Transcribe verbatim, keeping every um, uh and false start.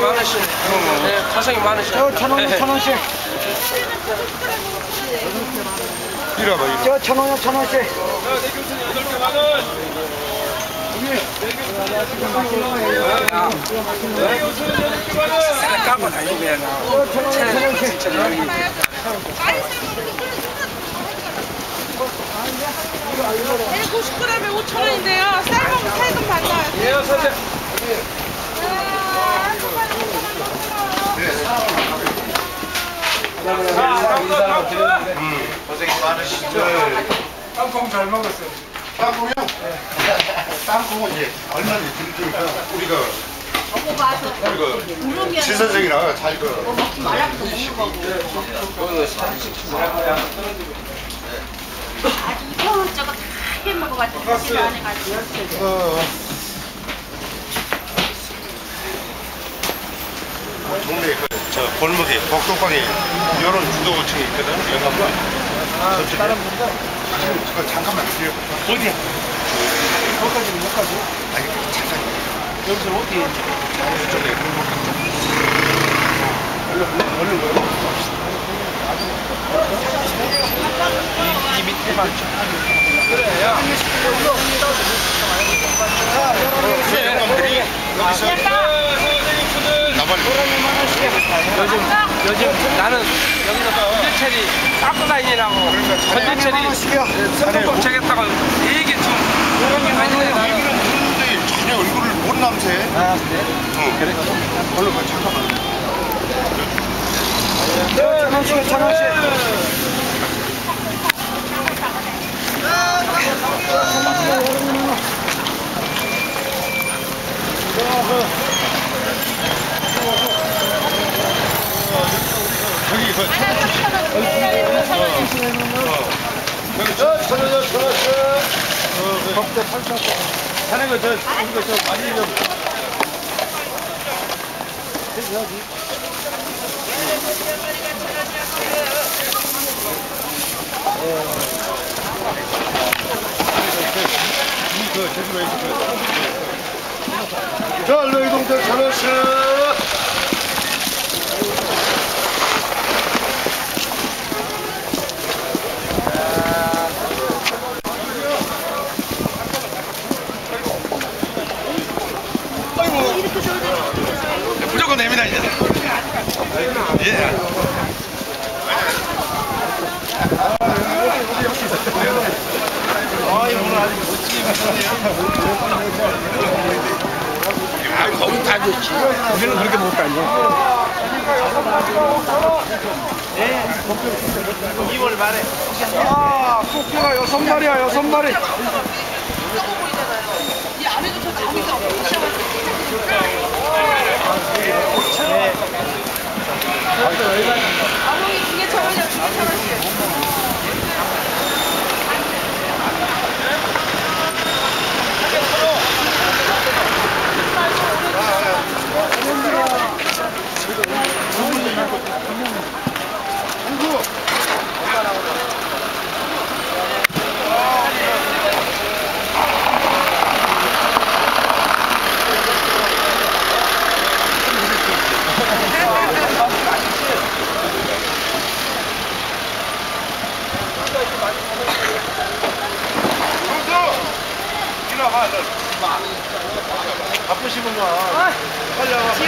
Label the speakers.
Speaker 1: 많으시네. 네, 가성이 많으시네.
Speaker 2: 저 천 원이요, 천 원씩.
Speaker 3: 이리 와봐, 이리.
Speaker 2: 저 천 원이요, 천 원씩.
Speaker 3: 야, 내 교수님 여덟 개 만 원.
Speaker 1: 까고 다니면
Speaker 2: 천 원이요, 천 원씩.
Speaker 4: 구십 그램에 오천 원인데요. 쌀먹은 세금 받나요?
Speaker 3: 예, 선생.
Speaker 5: 고생이 많으시죠?
Speaker 3: 땅콩 잘 먹었어요.
Speaker 5: 땅콩이요? 땅콩은 이제 얼마나 드릴테니까 우리가
Speaker 6: 저거 봐서
Speaker 5: 우리가 지 선생이랑 잘 그.
Speaker 6: 먹지 말라고 먹는 거고. 아주 이거저거 다 해먹어가지고 사실 안 해가지고.
Speaker 5: 어. 동네 그저 골목에 복도방에 이런 주도층이 있거든. 영감관. 아, 다른 분들? 저 잠깐만 기다려.
Speaker 2: 어디야? 여기까지, 여기까지.
Speaker 5: 아니 잠깐.
Speaker 2: 여기서 어디?
Speaker 5: 저쪽에 골목 쪽. 얼른 얼른 가요.
Speaker 2: 이 밑에만.
Speaker 3: 그래요.
Speaker 5: 영감들이 여기서 나발이.
Speaker 1: 요즘, 요즘 나는 여기서 건조철이 깎고 다니라고 건조철이 선거법 정했다고 되게 좀 그런 다니네.
Speaker 5: 여기는 들었는데 전혀 얼굴을 못 남새.
Speaker 2: 아, 그래?
Speaker 5: 응. 그래? 얼른 가, 잠깐만.
Speaker 2: 천 원씩, 천 원씩.
Speaker 5: 저기 그
Speaker 3: 저, 천원요, 천원씩.
Speaker 2: 법대 팔천 원.
Speaker 3: 하는 거, 저, 이거 저 많이 좀.
Speaker 5: 그 제주도에
Speaker 3: 자, 얼른 이동들 천원씩.
Speaker 5: 무조건 냅니다 이제. 예.
Speaker 2: 아이, 오늘 아주 멋지게
Speaker 5: 아 거기 다 좋지.
Speaker 2: 우리는 그렇게 못 다녀. 네. 이월 말에. 아, 토끼가 여섯 마리야, 여섯 마리.
Speaker 4: 이 안에도 저 장미가 없어.
Speaker 2: 네.
Speaker 4: 아롱이 두개 천 원이야, 두개 천 원씩.
Speaker 2: 바쁘시구만. 빨리 와봐.